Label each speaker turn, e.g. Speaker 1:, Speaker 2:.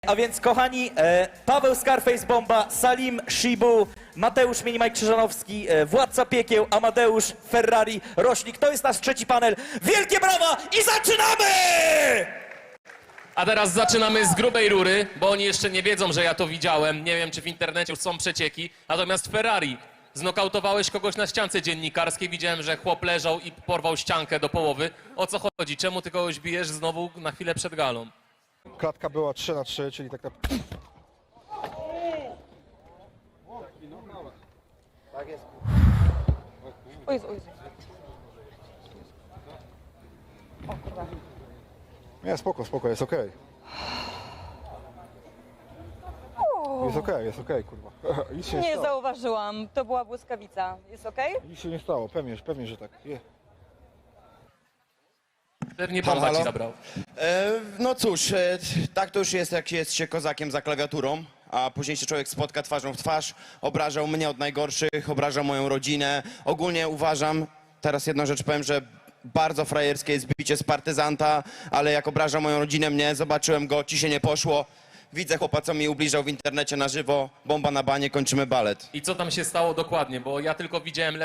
Speaker 1: A więc kochani, Paweł Scarface Bomba, Salim Shibu, Mateusz Minimaj Krzyżanowski, Władca Piekieł, Amadeusz Ferrari, Roślik. To jest nasz trzeci panel. Wielkie brawa i zaczynamy!
Speaker 2: A teraz zaczynamy z grubej rury, bo oni jeszcze nie wiedzą, że ja to widziałem. Nie wiem, czy w internecie już są przecieki. Natomiast Ferrari, znokautowałeś kogoś na ściance dziennikarskiej. Widziałem, że chłop leżał i porwał ściankę do połowy. O co chodzi? Czemu ty kogoś bijesz znowu na chwilę przed galą?
Speaker 3: Klatka była 3-3, czyli tak naprawdę...
Speaker 4: O Jezu, o Jezu. O kurwa.
Speaker 3: Nie, spoko, jest okej. Jest okej, kurwa. Nic się nie
Speaker 4: Nie
Speaker 3: stało.
Speaker 4: zauważyłam, to była błyskawica. Jest okej?
Speaker 3: Nic się nie stało, pewnie, że tak.
Speaker 2: Pewnie bomba
Speaker 5: Halo?
Speaker 2: ci zabrał.
Speaker 5: No cóż, tak to już jest, jak jest się kozakiem za klawiaturą, a później się człowiek spotka twarzą w twarz, obrażał mnie od najgorszych, obrażał moją rodzinę. Ogólnie uważam, teraz jedną rzecz powiem, że bardzo frajerskie jest bicie z partyzanta, ale jak obrażał moją rodzinę, mnie, zobaczyłem go, ci się nie poszło. Widzę chłopa, co mi ubliżał w internecie na żywo, bomba na banie, kończymy balet.
Speaker 2: I co tam się stało dokładnie? Bo ja tylko widziałem